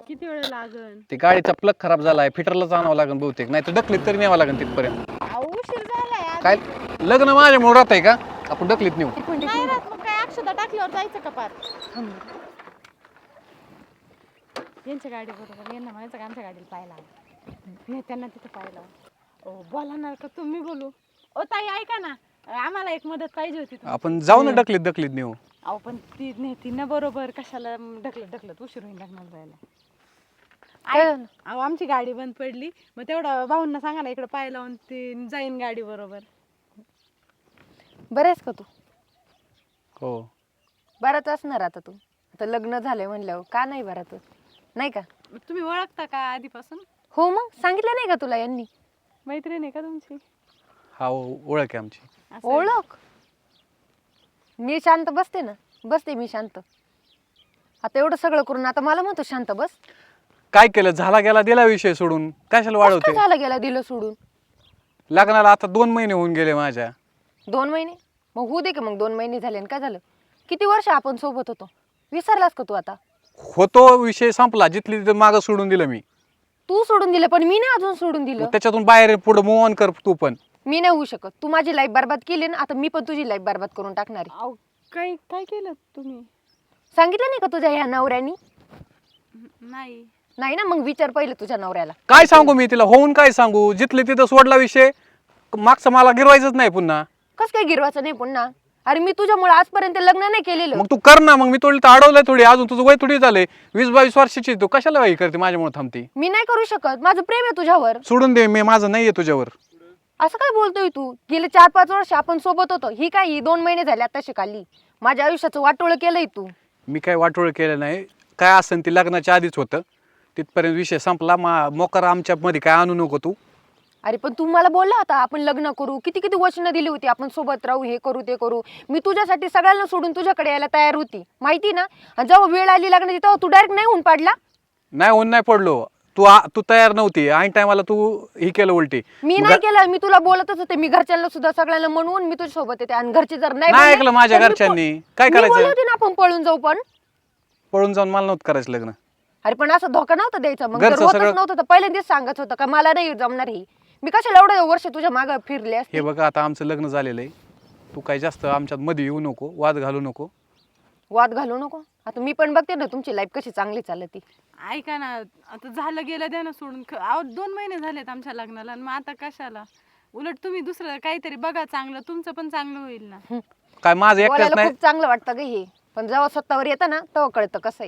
किती वेळ लागन? ती गाडीचा प्लग खराब झालाय, फिटरलाच आणावं लागेल बहुतेक, नाही तर ढकलीत तरी न्यावं लागेल तिथपर्यंत. उशीर झालाय काय लग्न माझ्यामुळे राहत आहे का? आपण ढकलीत नेऊ. नाही राहत मग काय अक्षता टाकल्यावर जायचं का पार? यांच्या गाडी बरोबर यांना म्हणायचं का आमच्या गाडीला पाहायला नाही त्यांना तिथं पाहायला. ओ बोलणार का तुम्ही बोलू? ओ ताई ऐका ना, आम्हाला एक मदत पाहिजे होती तुमची. आपण जाऊ ना ढकलीत नेऊ. अहो पण ती नेती ना बरोबर, कशाला ढकलत उशीर होईल लग्नाला जायला. अहो आमची गाडी बंद पडली, मग तेवढं भाऊंना सांगा ना इकडे पाय लावून ती जाईन गाडी बरोबर. बरेच का तू? हो बराच असणार आता तू. आता लग्न झालंय म्हणल्यावर का नाही बरा तू? नाही का? तुम्ही ओळखता का आधीपासून? हो मग सांगितलं नाही का तुला यांनी? मैत्रीण आहे का तुमची? हा ओळख आहे आमची. असं आहे. ओळख? मी शांत बसते ना, बसते मी शांत. आता एवढं सगळं करून आता मला म्हणतो शांत बस. काय केलं? झाला गेला दिला विषय सोडून, कशाला कसं वाढवते? काय झालं गेला दिलं सोडून? लग्नाला आता 2 महिने होऊन गेले माझ्या. 2 महिने? मग होऊ दे का मग 2 महिने झाले आणि काय झालं? किती वर्ष आपण सोबत होतो, विसरलास का तू आता? होतो विषय संपला, जिथली तिथं मागं सोडून दिलं मी. तू सोडून दिलं पण मी नाही अजून सोडून दिलं. मग त्याच्यातून बाहेर पुढे मूव ऑन कर तू पण. मी नाही होऊ शकत. तू माझी लाईफ बर्बाद केली ना, आता मी पण तुझी लाईफ बर्बाद करून टाकणार आहे. अहो काय काय केलं तुम्ही? सांगितलं नाही का तुझ्या ह्या नवऱ्यानी? नाही. नाही ना, मग विचार पहिले तुझ्या नवऱ्याला. काय सांगू मी तिला? होऊन काय सांगू? जिथले तिथं सोडला विषय, मागचं मला गिरवायचंच नाही पुन्हा. कस काय गिरवायचं नाही पुन्हा? अरे मी तुझ्यामुळे आजपर्यंत लग्न नाही केलेलं. मग तू कर ना. मग मी थोडी तर अडवलंय थोडी, अजून तुझं वय थोडी झालंय, 20-22 वर्षाची. तू कशाला वय करते माझ्यामुळे थांबते? मी नाही करू शकत, माझं प्रेम आहे तुझ्यावर. सोडून दे, मी माझं नाहीये तुझ्यावर. असं काय बोलतोय तू? गेले 4-5 वर्ष आपण सोबत होतो. ही काय ही 2 महिने झाले आता शिकाली. माझ्या आयुष्याचं वाटोळं केलंय तू. मी काय वाटोळ केलं नाही. काय असेल ते लग्नाच्या आधीच होतं, तिथपर्यंत विषय संपला. मोकार आमच्या मध्ये काय आणू नको तू. अरे पण तू मला बोलला होता आपण लग्न करू, किती किती वचनं दिली होती, आपण सोबत राहू, हे करू ते करू. मी तुझ्यासाठी सगळ्यांना सोडून तुझ्याकडे यायला तयार होती, माहिती ना. आणि जेव्हा वेळ आली लग्नाची तेव्हा तू डायरेक्ट नाही होऊन पडला. नाही होऊन नाही पडलो. तू तयार नव्हती. ऐन टायमाला तू ही केलं उलटी. मी नाही केलं, मी तुला बोलतच होते. मी घरच्यांना सुद्धा सगळ्यांना म्हणून मी तुझ्या सोबत येते. आणि घरचे जर नाही नाही बोलले, ऐकलं माझ्या तर मी घरच्यांनी. काय मी बोलले करायचं? होते ना आपण पळून जाऊ. पण पळून जाऊन मला नव्हतं करायचं लग्न. अरे पण असं धोका नव्हता द्यायचा. मग घरचं जर होतच सगळं- नव्हतं तर पहिल्यांदाच सांगत होतं का मला नाही जमणार ही. मी कशाला एवढं वर्ष तुझ्या मागं फिरले असते. हे बघा आता आमचं लग्न झालेलं आहे. तू काय जास्त आमच्यात मध्ये येऊ नको, वाद घालू नको. वाद घालू नको. आता मी पण बघते ना तुमची लाईफ कशी चांगली चालती. ऐका ना, आता झालं गेलं द्या ना सोडून. अहो 2 महिने झालेत आमच्या लग्नाला आणि मग आता कशाला? उलट तुम्ही दुसरं काहीतरी बघा चांगलं, तुमचं पण चांगलं होईल ना. काय माझं एकट्याच बोलायला नाही. खूप चांगलं वाटतं ग हे, पण जेव्हा स्वतःवर येतं ना तेव्हा कळतं कसं आहे.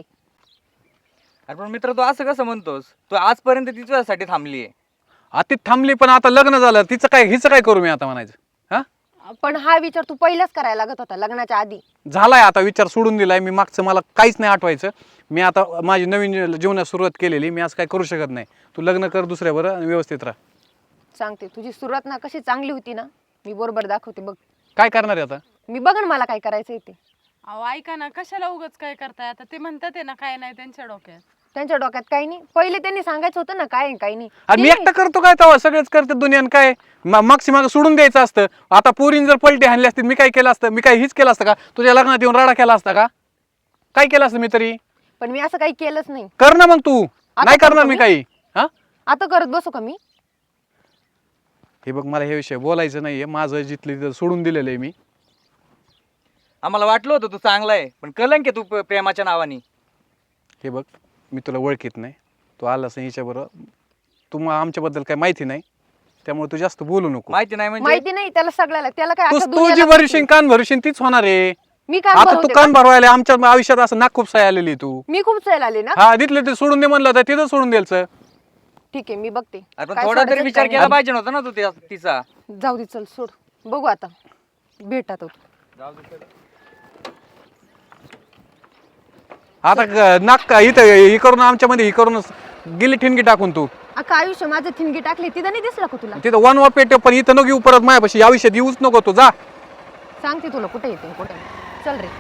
अरे पण मित्र, तू असं कसं म्हणतोस? तू आजपर्यंत तिच्यासाठी थांबलीये. आता ती थांबली, पण आता लग्न झालं, हिचं काय करू मी आता म्हणायचं? हा पण हा विचार तू पहिलाच करायला लागत होता लग्नाच्या आधी. झालाय आता विचार सोडून दिलाय मी. मागचं मला काहीच नाही आठवायचं. मी आता माझी नवीन जीवनात सुरुवात केलेली. मी असं काय करू शकत नाही. तू लग्न कर दुसऱ्यावर आणि व्यवस्थित राहा. सांगते तुझी सुरुवात ना कशी चांगली होती ना, मी बरोबर दाखवते बघ. काय करणार आहे आता? मी बघ ना मला काय करायचंय ते. अहो ऐका ना, कशाला उगाच काय करताय? आता ते म्हणतात आहे ना काय नाही त्यांच्या डोक्यात. त्यांच्या डोक्यात काही नाही. पहिले त्यांनी सांगायचं होतं ना काय आहे, काही नाही. आणि मी ते- एकटा करतो काय तेव्हा? सगळेच करते दुनियान. काय मागची मागं सोडून द्यायचं असतं. आता पोरीन जर पलटी हाणली असती, मी काय केलं असतं? मी काय हीच केलं असतं का? तुझ्या लग्नात येऊन राडा केला असता का? काय केलं असतं मी तरी? पण मी असं काही केलंच नाही. कर ना मग तू. नाही करतो करणार मी मी? काही. हा आता करत बसू का मी? हे बघ, मला हे विषय बोलायचं नाहीये. माझं जिथलं तिथं सोडून दिलेलं आहे मी. आम्हाला वाटलं होतं तू चांगला आहे, पण कलंक आहे तू प्रेमाच्या नावाने. हे बघ, मी तुला ओळखीत नाही. तू आलास हिच्याबरोबर. तू आमच्याबद्दल काही माहिती नाही, त्यामुळे तू जास्त बोलू नको. माहिती नाही म्हणजे? माहिती नाही त्याला सगळ्याला. त्याला काय तू अख्ख्या तू जी दुनियाला भरशील, माहिती. कान भरशील, तीच होणार आहे. मी कान आता तू भरवते कान का? भरवायला आमच्या आयुष्यात असं नाक खूप साय आलेली तू. मी खूप सैल आले ना. हा तिथले ते सोडून दे म्हणलं तर तिथं सोडून द्यायचं. ठीक आहे मी बघते. अरे पण काय थोडा तरी सोडायचं विचार काय केला पाहिजे नव्हता ना तू तिचा. नाही. जाऊ दे चल सोड. बघू आता भेटा तो. आता नाक इथं हे करून आमच्यामध्ये हे करून गेली ठिणगी टाकून तू. अख्खा आयुष्य माझं थिणगी टाकली तिथं नाही दिसला का तुला? तिथं वन वा पेट, पण इथं नको येऊ परत माझ्यापाशी. या विषयात येऊच नको तू. जा. सांगते तुला कुठे येते कुठे नाही. चल रे.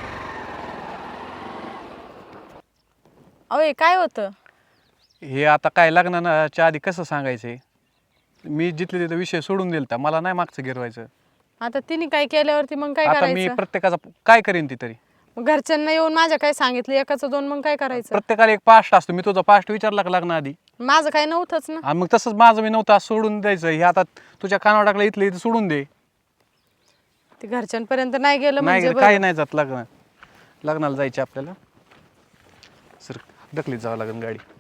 अहो काय होतं? हे आता काय लग्नाच्या आधी कसं सांगायचंय? मी जिथले तिथं विषय सोडून दिलता. मला नाही मागचं गिरवायचं. आता तिने काय केल्यावरती मग काय आता मी करायचं? प्रत्येकाचा काय करेन ती तरी. मग घरच्यांना येऊन माझ्या काय सांगितलं एकाचं दोन, मग काय करायचं? प्रत्येकाला एक पास्ट असतो. मी तुझा पास्ट विचारला का लग्न आधी? माझं काय नव्हतंच ना. आणि मग तसंच माझं मी नव्हतं, असं सोडून द्यायचं. हे आता तुझ्या कानावर टाकलं, इथलं इथं सोडून दे. ते घरच्यांपर्यंत नाही गेलं नाही म्हणजे काही बरं. नाही जात. लग्नाला जायचे आपल्याला. सर ढकलीत जावं लागेल गाडी.